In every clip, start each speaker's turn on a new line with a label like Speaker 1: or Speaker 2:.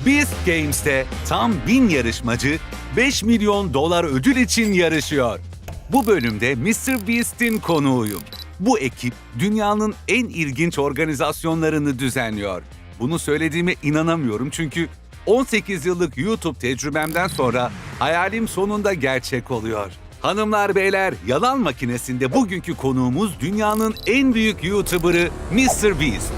Speaker 1: Beast Games'te tam 1000 yarışmacı 5 milyon dolar ödül için yarışıyor. Bu bölümde Mr. Beast'in konuğuyum. Bu ekip dünyanın en ilginç organizasyonlarını düzenliyor. Bunu söylediğime inanamıyorum çünkü 18 yıllık YouTube tecrübemden sonra hayalim sonunda gerçek oluyor. Hanımlar beyler, Yalan Makinesi'nde bugünkü konuğumuz dünyanın en büyük YouTuber'ı Mr. Beast.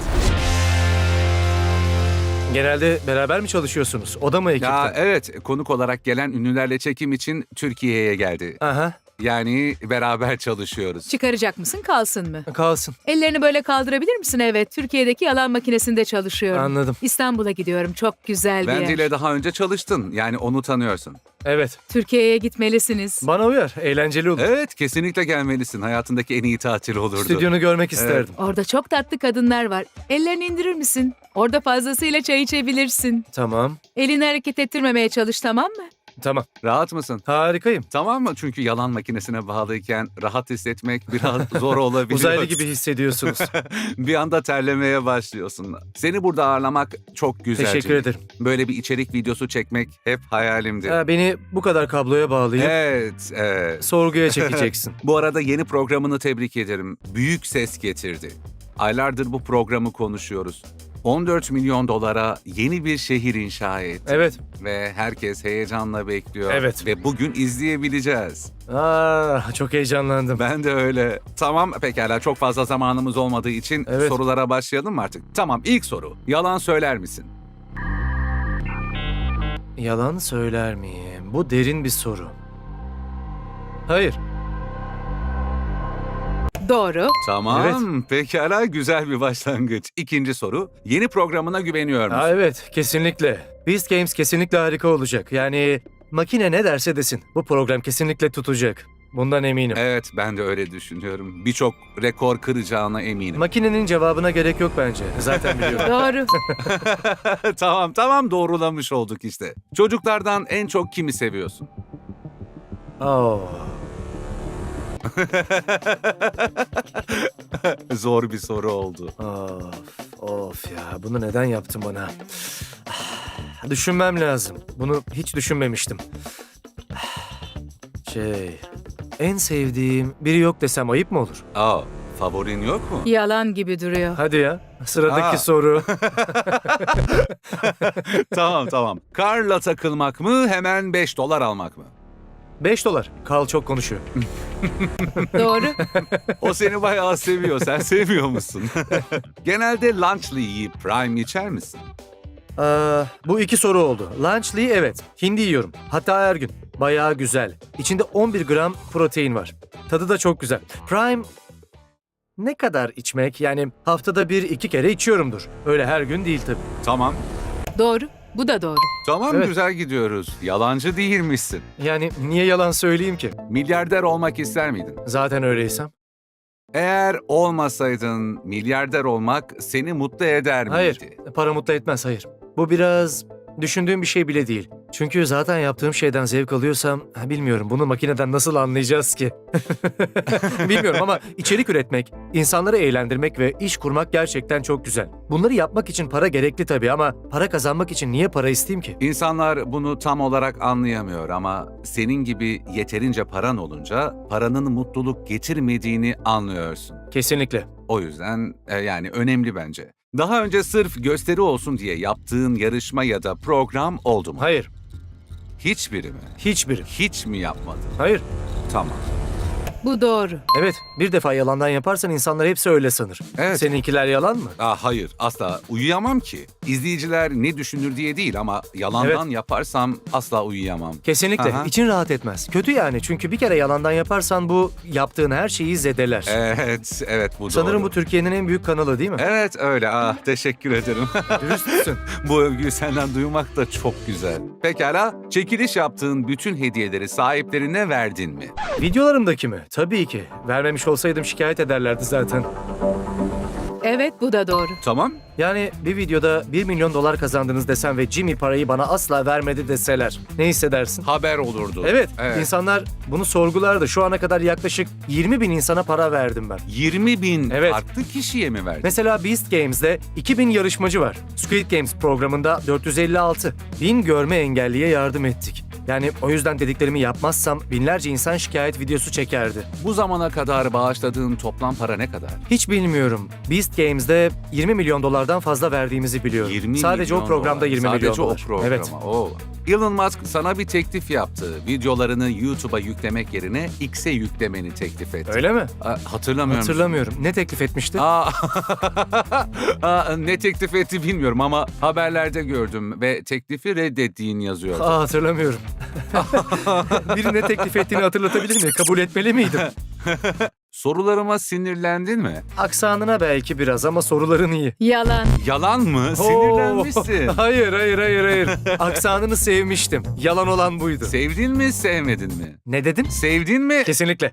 Speaker 2: Genelde beraber mi çalışıyorsunuz? O da mı ekipte?
Speaker 1: Ya evet, konuk olarak gelen ünlülerle çekim için Türkiye'ye geldi.
Speaker 2: Aha,
Speaker 1: Yani beraber çalışıyoruz.
Speaker 3: Çıkaracak mısın, kalsın mı?
Speaker 2: kalsın.
Speaker 3: Ellerini böyle kaldırabilir misin? Evet, Türkiye'deki yalan makinesinde çalışıyorum.
Speaker 2: Anladım.
Speaker 3: İstanbul'a gidiyorum, çok güzel bir yer.
Speaker 1: Wendy ile daha önce çalıştın, yani onu tanıyorsun.
Speaker 2: Evet.
Speaker 3: Türkiye'ye gitmelisiniz.
Speaker 2: Bana uyar. Eğlenceli olur.
Speaker 1: Evet, kesinlikle gelmelisin. Hayatındaki en iyi tatil olurdu.
Speaker 2: Stüdyonu görmek isterdim.
Speaker 3: Orada çok tatlı kadınlar var. Ellerini indirir misin? Orada fazlasıyla çay içebilirsin.
Speaker 2: Tamam.
Speaker 3: Elini hareket ettirmemeye çalış, tamam mı?
Speaker 2: Tamam.
Speaker 1: Rahat mısın?
Speaker 2: Harikayım.
Speaker 1: Tamam mı? Çünkü yalan makinesine bağlıyken rahat hissetmek biraz zor olabiliyor.
Speaker 2: Uzaylı gibi hissediyorsunuz.
Speaker 1: Bir anda terlemeye başlıyorsun. Seni burada ağırlamak çok güzel.
Speaker 2: Teşekkür
Speaker 1: Jimmy.
Speaker 2: ederim.
Speaker 1: Böyle bir içerik videosu çekmek hep hayalimdi.
Speaker 2: Beni bu kadar kabloya bağlayıp
Speaker 1: Evet, evet.
Speaker 2: sorguya çekeceksin.
Speaker 1: Bu arada yeni programını tebrik ederim. Büyük ses getirdi. Aylardır bu programı konuşuyoruz. 14 milyon dolara yeni bir şehir inşa etti.
Speaker 2: Evet.
Speaker 1: Ve herkes heyecanla bekliyor.
Speaker 2: Evet.
Speaker 1: Ve bugün izleyebileceğiz.
Speaker 2: Çok heyecanlandım.
Speaker 1: Ben de öyle. Tamam, pekala, çok fazla zamanımız olmadığı için
Speaker 2: Evet.
Speaker 1: sorulara başlayalım mı artık? Tamam, ilk soru. Yalan söyler misin?
Speaker 2: Yalan söyler miyim? Bu derin bir soru. Hayır.
Speaker 3: Doğru.
Speaker 1: Tamam, pekala, güzel bir başlangıç. İkinci soru. Yeni programına güveniyor musun?
Speaker 2: Evet, kesinlikle. Beast Games kesinlikle harika olacak. Yani makine ne derse desin. Bu program kesinlikle tutacak. Bundan eminim.
Speaker 1: Evet, ben de öyle düşünüyorum. Birçok rekor kıracağına eminim.
Speaker 2: Makinenin cevabına gerek yok bence. Zaten biliyorum.
Speaker 3: Doğru.
Speaker 1: Tamam, doğrulamış olduk işte. Çocuklardan en çok kimi seviyorsun?
Speaker 2: Oh.
Speaker 1: Zor bir soru oldu.
Speaker 2: Of ya, bunu neden yaptın bana? Düşünmem lazım. Bunu hiç düşünmemiştim. En sevdiğim biri yok desem ayıp mı olur?
Speaker 1: Favorin yok mu?
Speaker 3: Yalan gibi duruyor.
Speaker 2: Hadi ya, sıradaki
Speaker 1: Aa.
Speaker 2: soru.
Speaker 1: Tamam. Karla takılmak mı, hemen 5 dolar almak mı?
Speaker 2: $5. Carl çok konuşuyor.
Speaker 3: Doğru.
Speaker 1: O seni bayağı seviyor. Sen sevmiyor musun? Genelde lunchlı yiyip prime içer misin?
Speaker 2: Bu iki soru oldu. Lunchly evet. Hindi yiyorum. Hatta her gün. Bayağı güzel. İçinde 11 gram protein var. Tadı da çok güzel. Prime ne kadar içmek? Yani haftada 1-2 kere içiyorumdur. Öyle her gün değil tabii.
Speaker 1: Tamam.
Speaker 3: Doğru. Bu da doğru.
Speaker 1: Tamam,
Speaker 2: Evet.
Speaker 1: güzel gidiyoruz. Yalancı değilmişsin.
Speaker 2: Yani niye yalan söyleyeyim ki?
Speaker 1: Milyarder olmak ister miydin?
Speaker 2: Zaten öyleysem.
Speaker 1: Eğer olmasaydın milyarder olmak seni mutlu eder miydi?
Speaker 2: Hayır. Para mutlu etmez, hayır. Bu biraz düşündüğüm bir şey bile değil. Çünkü zaten yaptığım şeyden zevk alıyorsam, bilmiyorum bunu makineden nasıl anlayacağız ki? Bilmiyorum ama içerik üretmek, insanları eğlendirmek ve iş kurmak gerçekten çok güzel. Bunları yapmak için para gerekli tabii ama para kazanmak için niye para isteyeyim ki?
Speaker 1: İnsanlar bunu tam olarak anlayamıyor ama senin gibi yeterince paran olunca paranın mutluluk getirmediğini anlıyorsun.
Speaker 2: Kesinlikle.
Speaker 1: O yüzden yani önemli bence. Daha önce sırf gösteri olsun diye yaptığın yarışma ya da program oldu mu?
Speaker 2: Hayır.
Speaker 1: Hiçbiri mi?
Speaker 2: Hiçbiri.
Speaker 1: Hiç mi yapmadın?
Speaker 2: Hayır.
Speaker 1: Tamam.
Speaker 3: Bu doğru.
Speaker 2: Evet, bir defa yalandan yaparsan insanlar hepsi öyle sanır.
Speaker 1: Evet.
Speaker 2: Seninkiler yalan mı?
Speaker 1: Hayır, asla uyuyamam ki. İzleyiciler ne düşünür diye değil ama yalandan yaparsam asla uyuyamam.
Speaker 2: Kesinlikle.
Speaker 1: Aha.
Speaker 2: İçin rahat etmez. Kötü yani çünkü bir kere yalandan yaparsan bu yaptığın her şeyi zedeler.
Speaker 1: Evet, bu
Speaker 2: Sanırım
Speaker 1: doğru.
Speaker 2: bu Türkiye'nin en büyük kanalı değil mi?
Speaker 1: Evet öyle. Teşekkür ederim.
Speaker 2: Dürüstsün.
Speaker 1: Bu övgüyü senden duymak da çok güzel. Pekala, çekiliş yaptığın bütün hediyeleri sahiplerine verdin mi?
Speaker 2: Videolarımdaki mi? Tabii ki. Vermemiş olsaydım şikayet ederlerdi zaten.
Speaker 3: Evet, bu da doğru.
Speaker 1: Tamam.
Speaker 2: Yani bir videoda 1 milyon dolar kazandınız desem ve Jimmy parayı bana asla vermedi deseler ne hissedersin?
Speaker 1: Haber olurdu.
Speaker 2: Evet, insanlar bunu sorgulardı. Şu ana kadar yaklaşık 20 bin insana para verdim ben.
Speaker 1: 20 bin
Speaker 2: Evet.
Speaker 1: farklı kişiye mi verdin?
Speaker 2: Mesela Beast Games'de 2000 yarışmacı var. Squid Games programında 456. 1000 görme engelliye yardım ettik. Yani o yüzden dediklerimi yapmazsam binlerce insan şikayet videosu çekerdi.
Speaker 1: Bu zamana kadar bağışladığın toplam para ne kadar?
Speaker 2: Hiç bilmiyorum. Beast Games'de 20 milyon dolardan fazla verdiğimizi biliyorum.
Speaker 1: 20
Speaker 2: Sadece
Speaker 1: milyon
Speaker 2: o programda
Speaker 1: dolar.
Speaker 2: 20 milyon dolar.
Speaker 1: Sadece o programa.
Speaker 2: Evet.
Speaker 1: Oo. Elon Musk sana bir teklif yaptı. Videolarını YouTube'a yüklemek yerine X'e yüklemeni teklif etti.
Speaker 2: Öyle mi?
Speaker 1: Hatırlamıyor musun?
Speaker 2: Hatırlamıyorum. Ne teklif etmişti?
Speaker 1: Ne teklif etti bilmiyorum ama haberlerde gördüm ve teklifi reddettiğin yazıyordu.
Speaker 2: Hatırlamıyorum. Biri ne teklif ettiğini hatırlatabilir mi? Kabul etmeli miydim?
Speaker 1: Sorularıma sinirlendin mi?
Speaker 2: Aksanına belki biraz ama soruların iyi.
Speaker 3: Yalan.
Speaker 1: Yalan mı? Sinirlenmişsin.
Speaker 2: Hayır. Aksanını sevmiştim. Yalan olan buydu.
Speaker 1: Sevdin mi, sevmedin mi?
Speaker 2: Ne dedin?
Speaker 1: Sevdin mi?
Speaker 2: Kesinlikle.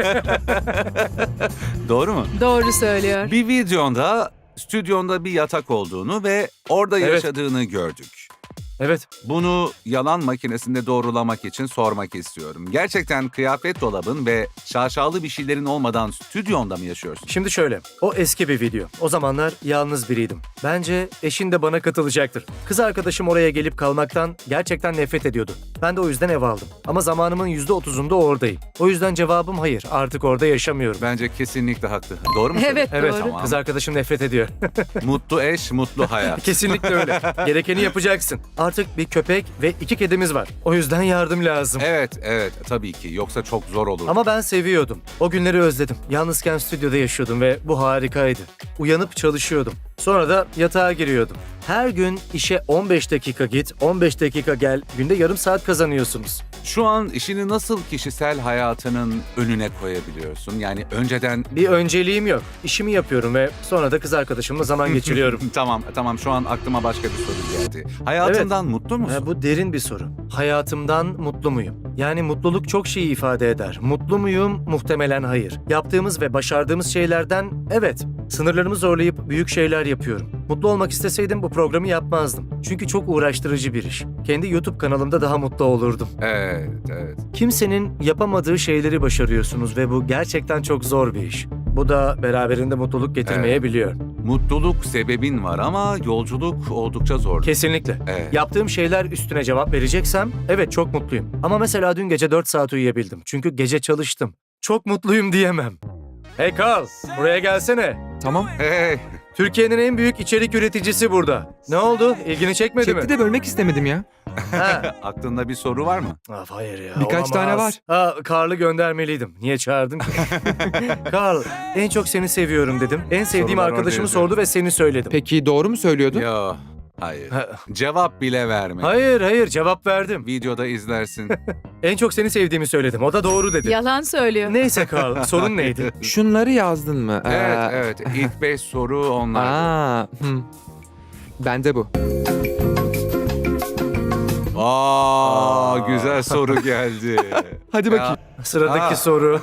Speaker 1: Doğru mu?
Speaker 3: Doğru söylüyor.
Speaker 1: Bir videonda stüdyonda bir yatak olduğunu ve orada
Speaker 2: Evet.
Speaker 1: yaşadığını gördük.
Speaker 2: Evet.
Speaker 1: Bunu yalan makinesinde doğrulamak için sormak istiyorum. Gerçekten kıyafet dolabın ve şaşalı bir şeylerin olmadan stüdyonda mı yaşıyorsun?
Speaker 2: Şimdi şöyle. O eski bir video. O zamanlar yalnız biriydim. Bence eşin de bana katılacaktır. Kız arkadaşım oraya gelip kalmaktan gerçekten nefret ediyordu. Ben de o yüzden ev aldım. Ama zamanımın %30'unda oradayım. O yüzden cevabım hayır. Artık orada yaşamıyorum.
Speaker 1: Bence kesinlikle haklı. Doğru mu
Speaker 3: Evet,
Speaker 1: söylüyorum?
Speaker 2: Evet,
Speaker 3: doğru.
Speaker 1: Tamam.
Speaker 2: kız arkadaşım nefret ediyor.
Speaker 1: Mutlu eş, mutlu hayat.
Speaker 2: Kesinlikle öyle. Gerekeni yapacaksın. Artık bir köpek ve 2 kedimiz var. O yüzden yardım lazım.
Speaker 1: Evet, tabii ki. Yoksa çok zor olur.
Speaker 2: Ama ben seviyordum. O günleri özledim. Yalnızken stüdyoda yaşıyordum ve bu harikaydı. Uyanıp çalışıyordum. Sonra da yatağa giriyordum. Her gün işe 15 dakika git, 15 dakika gel. Günde yarım saat kazanıyorsunuz.
Speaker 1: Şu an işini nasıl kişisel hayatının önüne koyabiliyorsun? Yani önceden...
Speaker 2: Bir önceliğim yok. İşimi yapıyorum ve sonra da kız arkadaşımla zaman geçiriyorum.
Speaker 1: Tamam. Şu an aklıma başka bir soru geldi. Hayatından mutlu musun?
Speaker 2: Ha, bu derin bir soru. Hayatımdan mutlu muyum? Yani mutluluk çok şeyi ifade eder. Mutlu muyum? Muhtemelen hayır. Yaptığımız ve başardığımız şeylerden evet. Sınırlarımı zorlayıp büyük şeyler yapıyorum. Mutlu olmak isteseydim bu programı yapmazdım. Çünkü çok uğraştırıcı bir iş. Kendi YouTube kanalımda daha mutlu olurdum.
Speaker 1: Evet.
Speaker 2: Kimsenin yapamadığı şeyleri başarıyorsunuz ve bu gerçekten çok zor bir iş. Bu da beraberinde mutluluk getirmeyebiliyor.
Speaker 1: Mutluluk sebebin var ama yolculuk oldukça zor.
Speaker 2: Kesinlikle.
Speaker 1: Evet.
Speaker 2: Yaptığım şeyler üstüne cevap vereceksem evet çok mutluyum. Ama mesela dün gece 4 saat uyuyabildim. Çünkü gece çalıştım. Çok mutluyum diyemem. Hey Carl, buraya gelsene.
Speaker 4: Tamam.
Speaker 1: Hey,
Speaker 2: Türkiye'nin en büyük içerik üreticisi burada. Ne oldu? İlgini çekmedi
Speaker 4: Çekti
Speaker 2: mi?
Speaker 4: de bölmek istemedim ya.
Speaker 2: Ha.
Speaker 1: aklında bir soru var mı?
Speaker 2: Hayır ya.
Speaker 4: Birkaç tane
Speaker 2: olamaz. Ha, Carl'ı göndermeliydim. Niye çağırdın ki? Carl, en çok seni seviyorum dedim. En sevdiğim
Speaker 1: Sorular
Speaker 2: arkadaşımı
Speaker 1: oradaydı.
Speaker 2: sordu ve seni söyledim.
Speaker 4: Peki doğru mu söylüyordu?
Speaker 1: Yo, hayır.
Speaker 2: Ha.
Speaker 1: Cevap bile verme.
Speaker 2: Hayır cevap verdim.
Speaker 1: Videoda izlersin.
Speaker 2: En çok seni sevdiğimi söyledim. O da doğru dedi.
Speaker 3: Yalan söylüyor.
Speaker 2: Neyse Carl, sorun neydi?
Speaker 4: Şunları yazdın mı?
Speaker 1: Evet. İlk 5 soru onlar.
Speaker 4: Bende bu.
Speaker 1: Güzel soru geldi.
Speaker 4: Hadi bakayım.
Speaker 2: Sıradaki
Speaker 1: Aa.
Speaker 2: soru.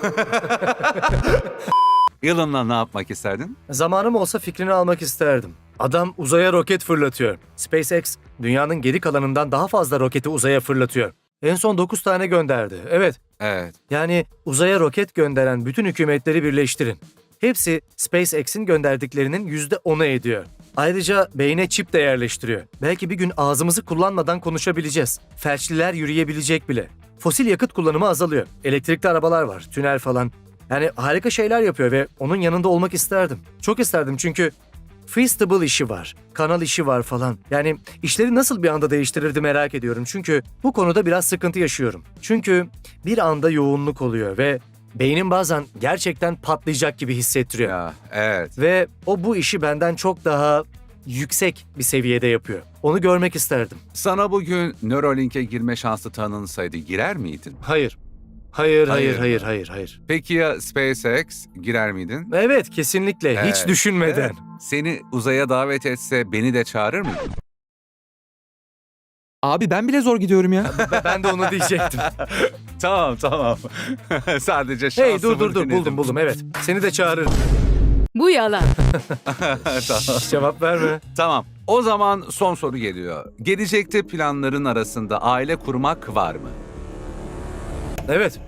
Speaker 1: Elon'la ne yapmak isterdin?
Speaker 2: Zamanım olsa fikrini almak isterdim. Adam uzaya roket fırlatıyor. SpaceX, dünyanın geri kalanından daha fazla roketi uzaya fırlatıyor. En son 9 tane gönderdi. Evet,
Speaker 1: Evet.
Speaker 2: yani uzaya roket gönderen bütün hükümetleri birleştirin. Hepsi SpaceX'in gönderdiklerinin %10'u ediyor. Ayrıca beyne çip de yerleştiriyor. Belki bir gün ağzımızı kullanmadan konuşabileceğiz. Felçliler yürüyebilecek bile. Fosil yakıt kullanımı azalıyor. Elektrikli arabalar var, tünel falan. Yani harika şeyler yapıyor ve onun yanında olmak isterdim. Çok isterdim çünkü Feastable işi var, kanal işi var falan. Yani işleri nasıl bir anda değiştirirdi merak ediyorum. Çünkü bu konuda biraz sıkıntı yaşıyorum. Çünkü bir anda yoğunluk oluyor ve beynim bazen gerçekten patlayacak gibi hissettiriyor.
Speaker 1: Ya, evet.
Speaker 2: Ve o bu işi benden çok daha yüksek bir seviyede yapıyor. Onu görmek isterdim.
Speaker 1: Sana bugün Neuralink'e girme şansı tanınsaydı girer miydin?
Speaker 2: Hayır.
Speaker 1: Hayır.
Speaker 2: Hayır.
Speaker 1: Peki ya SpaceX girer miydin?
Speaker 2: Evet, kesinlikle. Hiç
Speaker 1: Evet,
Speaker 2: düşünmeden.
Speaker 1: evet. Seni uzaya davet etse beni de çağırır mıydın?
Speaker 4: Abi ben bile zor gidiyorum ya.
Speaker 2: Ben de onu diyecektim.
Speaker 1: Tamam. Sadece şansımı
Speaker 2: Hey dur
Speaker 1: denedim.
Speaker 2: buldum evet. Seni de çağırırım.
Speaker 3: Bu yalan.
Speaker 1: Tamam.
Speaker 2: Cevap verme.
Speaker 1: Tamam. O zaman son soru geliyor. Gelecekte planların arasında aile kurmak var mı?
Speaker 2: Evet.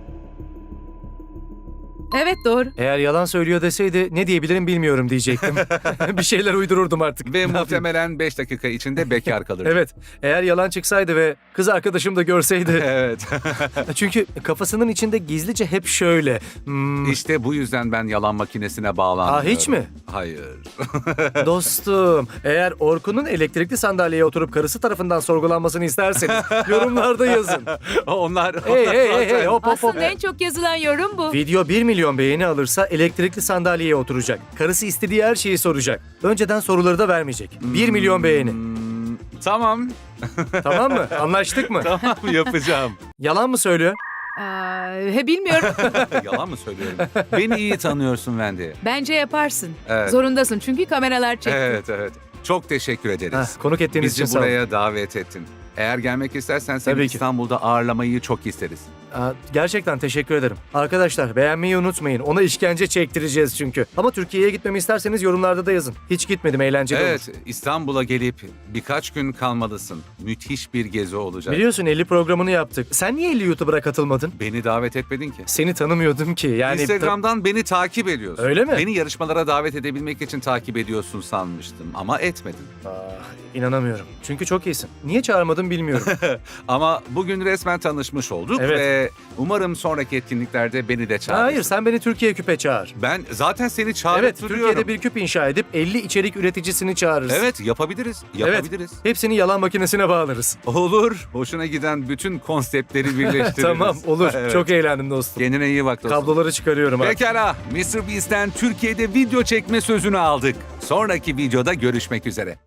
Speaker 3: Evet doğru.
Speaker 2: Eğer yalan söylüyor deseydi ne diyebilirim bilmiyorum diyecektim. Bir şeyler uydururdum artık.
Speaker 1: Ve
Speaker 2: Ne yapayım?
Speaker 1: muhtemelen 5 dakika içinde bekar kalır.
Speaker 2: Evet. Eğer yalan çıksaydı ve kız arkadaşım da görseydi.
Speaker 1: Evet.
Speaker 2: Çünkü kafasının içinde gizlice hep şöyle.
Speaker 1: İşte bu yüzden ben yalan makinesine bağlanmıyorum.
Speaker 2: hiç mi?
Speaker 1: Hayır.
Speaker 2: Dostum, eğer Orkun'un elektrikli sandalyeye oturup karısı tarafından sorgulanmasını isterseniz yorumlarda yazın.
Speaker 1: Onlar...
Speaker 2: Hey, hop hop hop.
Speaker 3: Aslında en çok yazılan yorum bu.
Speaker 2: Video 1 milyon beğeni alırsa elektrikli sandalyeye oturacak. Karısı istediği her şeyi soracak. Önceden soruları da vermeyecek. 1 milyon beğeni.
Speaker 1: Tamam.
Speaker 2: Tamam mı? Anlaştık mı?
Speaker 1: Tamam yapacağım.
Speaker 2: Yalan mı söylüyor?
Speaker 3: Bilmiyorum.
Speaker 1: Yalan mı söylüyorum? Beni iyi tanıyorsun Wendy.
Speaker 3: Bence yaparsın.
Speaker 1: Evet.
Speaker 3: Zorundasın çünkü kameralar çekti.
Speaker 1: Evet. Çok teşekkür ederiz.
Speaker 2: Konuk ettiğiniz için
Speaker 1: Bizi
Speaker 2: sağ olun.
Speaker 1: buraya davet ettin. Eğer gelmek istersen seni
Speaker 2: Tabii ki.
Speaker 1: İstanbul'da ağırlamayı çok isteriz.
Speaker 2: Gerçekten teşekkür ederim. Arkadaşlar beğenmeyi unutmayın. Ona işkence çektireceğiz çünkü. Ama Türkiye'ye gitmemi isterseniz yorumlarda da yazın. Hiç gitmedim, eğlenceli olur.
Speaker 1: Evet, İstanbul'a gelip birkaç gün kalmalısın. Müthiş bir gezi olacak.
Speaker 2: Biliyorsun 50 programını yaptık. Sen niye 50 YouTuber'a katılmadın?
Speaker 1: Beni davet etmedin ki.
Speaker 2: Seni tanımıyordum ki. Yani
Speaker 1: Instagram'dan beni takip ediyorsun.
Speaker 2: Öyle mi?
Speaker 1: Beni yarışmalara davet edebilmek için takip ediyorsun sanmıştım ama etmedin.
Speaker 2: İnanamıyorum. Çünkü çok iyisin. Niye çağırmadın bilmiyorum.
Speaker 1: Ama bugün resmen tanışmış olduk
Speaker 2: Evet.
Speaker 1: ve umarım sonraki etkinliklerde beni de çağırırsın.
Speaker 2: Hayır, sen beni Türkiye küpe çağır.
Speaker 1: Ben zaten seni
Speaker 2: Evet,
Speaker 1: çağırtırıyorum.
Speaker 2: Türkiye'de bir küp inşa edip 50 içerik üreticisini çağırırız.
Speaker 1: Evet, yapabiliriz.
Speaker 2: Evet, hepsini yalan makinesine bağlarız.
Speaker 1: Olur. Hoşuna giden bütün konseptleri birleştiririz.
Speaker 2: Tamam, olur.
Speaker 1: Evet.
Speaker 2: Çok eğlendim dostum.
Speaker 1: Kendine iyi bak dostum.
Speaker 2: Kabloları çıkarıyorum artık.
Speaker 1: Pekala. MrBeast'ten Türkiye'de video çekme sözünü aldık. Sonraki videoda görüşmek üzere.